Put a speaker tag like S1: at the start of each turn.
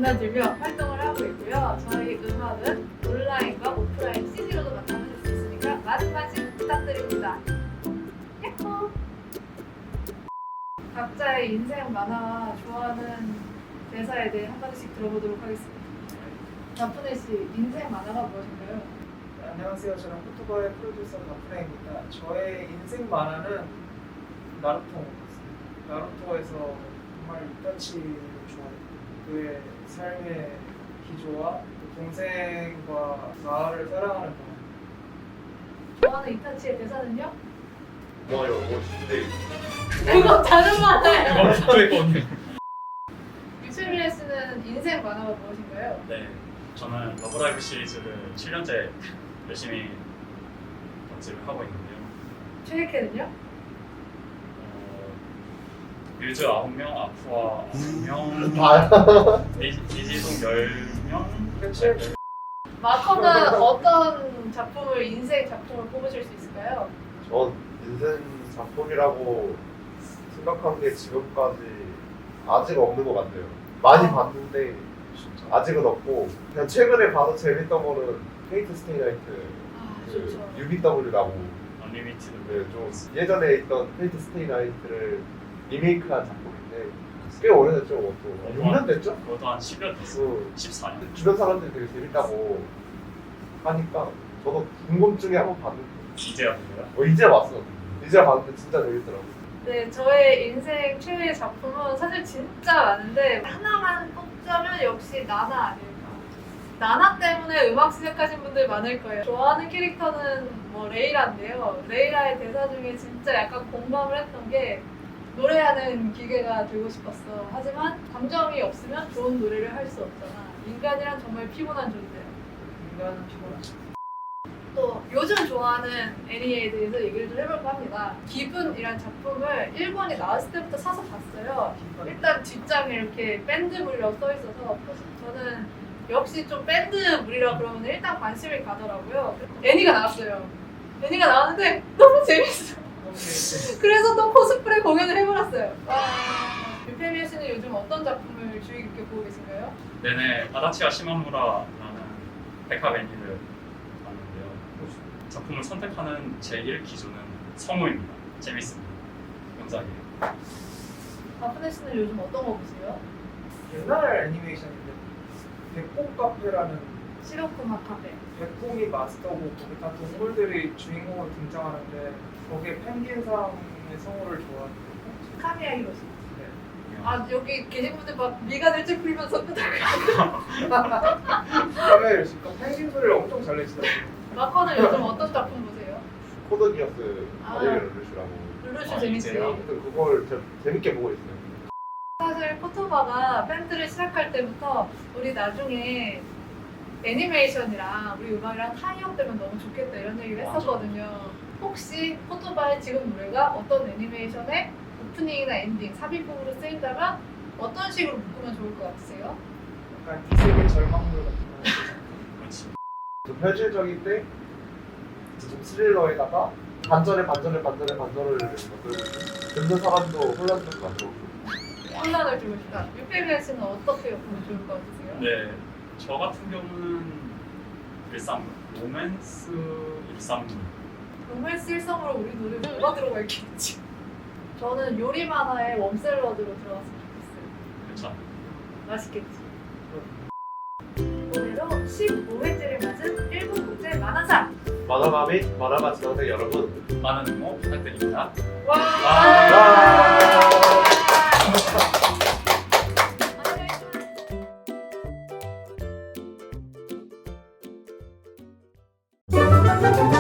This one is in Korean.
S1: 넘나들며 활동을 하고 있고요. 저희 음악은 온라인과 오프라인 CD로도 만나보실 수 있으니까 많은 관심 부탁드립니다. 야호! 각자의 인생 만화와 좋아하는 대사에 대해 한마디씩 들어보도록 하겠습니다. 나쁜애 씨, 인생 만화가 무엇인가요?
S2: 네, 안녕하세요. 저는 포토바의 프로듀서 박프레입니다. 저의 인생 만화는 나루토입니다. 나루토에서 정말 이타치를 좋아했고 그의 삶의 기조와 그 동생과 마을을 사랑하는 마음.
S1: 좋아하는 이타치의 대사는요?
S3: 고마워요. 멋진데.
S1: 그거 다른 만화예요.
S4: 그랬거든요.
S1: 유채밀레 씨는 인생 만화가 무엇인가요?
S4: 네, 저는 러브라이브 시리즈를 7년째 열심히 덕질을 하고 있는데요.
S1: 최애캐는요?
S4: 뮤즈 9명, 아쿠아 9명,
S3: 다.
S4: 이지동 10명.
S2: 그치?
S1: 마커는 어떤 작품을 인생 작품을 뽑으실 수 있을까요?
S3: 전 인생 작품이라고 생각한 게 지금까지 아직 없는 것 같아요. 많이 봤는데 아직은 없고 그냥 최근에 봐서 재밌던 거는 페이트 스테이 나이트
S1: 아,
S3: 그
S1: 좋죠.
S3: UBW라고
S4: 언리미티드.
S3: 네, 좀 예전에 있던 페이트 스테이 나이트를 리메이크한 작품인데 꽤 오래됐죠. 그것도 6년 됐죠?
S4: 그것도 한 10년 됐어요. 14년.
S3: 주변 사람들이 되게 재밌다고 하니까 저도 궁금증에 한번 봤는데
S4: 이제 왔는데요.
S3: 이제 왔어. 이제 봤는데 진짜 재밌더라고.
S1: 네, 저의 인생 최애 작품은 사실 진짜 많은데 하나만 꼽자면 역시 나나 아닐까. 나나 때문에 음악 시작하신 분들 많을 거예요. 좋아하는 캐릭터는 뭐 레이라인데요. 레이라의 대사 중에 진짜 약간 공감을 했던 게 노래하는 기계가 되고 싶었어. 하지만 감정이 없으면 좋은 노래를 할 수 없잖아. 인간이란 정말 피곤한 존재야.
S2: 인간은 피곤하죠.
S1: 또 요즘 좋아하는 애니에 대해서 얘기를 좀 해볼까 합니다. 기분이란 작품을 1권이 나왔을 때부터 사서 봤어요. 일단 뒷장에 이렇게 밴드물이라고 써있어서 저는 역시 좀 밴드물이라 그러면 일단 관심이 가더라고요. 애니가 나왔어요. 애니가 나왔는데 너무 재밌어. 그래서 또 코스프레 공연을 해버렸어요. 유페미야 씨는 요즘 어떤 작품을 주의 깊게 보고 계신가요?
S4: 내내 아다치와 시마무라라는 백합 애니를 봤는데요. 작품을 선택하는 제1 기준은 성우입니다. 재밌습니다. 명작이에요.
S1: 나쁜애 씨는 요즘 어떤 거 보세요?
S2: 옛날 애니메이션인데 백봉 카페라는
S1: 시로쿠마 카페.
S2: 백봉이 마스터고 거기 다 동물들이 주인공으로 등장하는데 거기에 펭귄상의 성우를 좋아하는데
S1: 카미야 히로시.
S2: 네.
S1: 아 여기 계신 분들 막 미간을 찌푸리면서
S2: 카메라를 지금 펭귄 소리를 엄청 잘 내시더라고요.
S1: 마커는 요즘 어떤 작품 보세요?
S3: 코드 기어스
S1: 아.
S3: 바디를 룰루시라고.
S1: 룰루슈
S4: 아,
S1: 재밌지.
S4: 이제요?
S3: 하여튼 그걸 재밌게 보고 있어요.
S1: 사실 포토바가 밴드를 시작할 때부터 우리 나중에 애니메이션이랑 우리 음악이랑 타이업 되면 너무 좋겠다 이런 얘기를
S4: 맞아.
S1: 했었거든요. 혹시 포토바의 지금 노래가 어떤 애니메이션의 오프닝이나 엔딩, 삽입곡으로 쓰인다면 어떤 식으로 묶으면 좋을 것 같으세요?
S2: 약간 이세계 절망물 같은 거.
S4: 그렇지.
S3: 좀 현실적인데 좀 스릴러에다가 반전을 듣는 사람도 혼란스럽게 만들고.
S1: 혼란을 주고 싶다. 유페미아 씨는 어떻게 보면 좋을 것 같으세요?
S4: 네, 저 같은 경우는 일상물, 로맨스 일상물.
S1: 로맨스 일성으로 우리 노래 뭐가 들어가 있겠지? 저는 요리 만화의 웜샐러드로 들어갔으면 좋겠어요.
S4: 괜찮아요.
S1: 맛있겠지? 올해로 15회째를 맞은 일본 국제 만화상!
S3: 만화가 및 만화가 지원생 여러분.
S4: 많은 응원 부탁드립니다.
S1: 와!
S3: 와!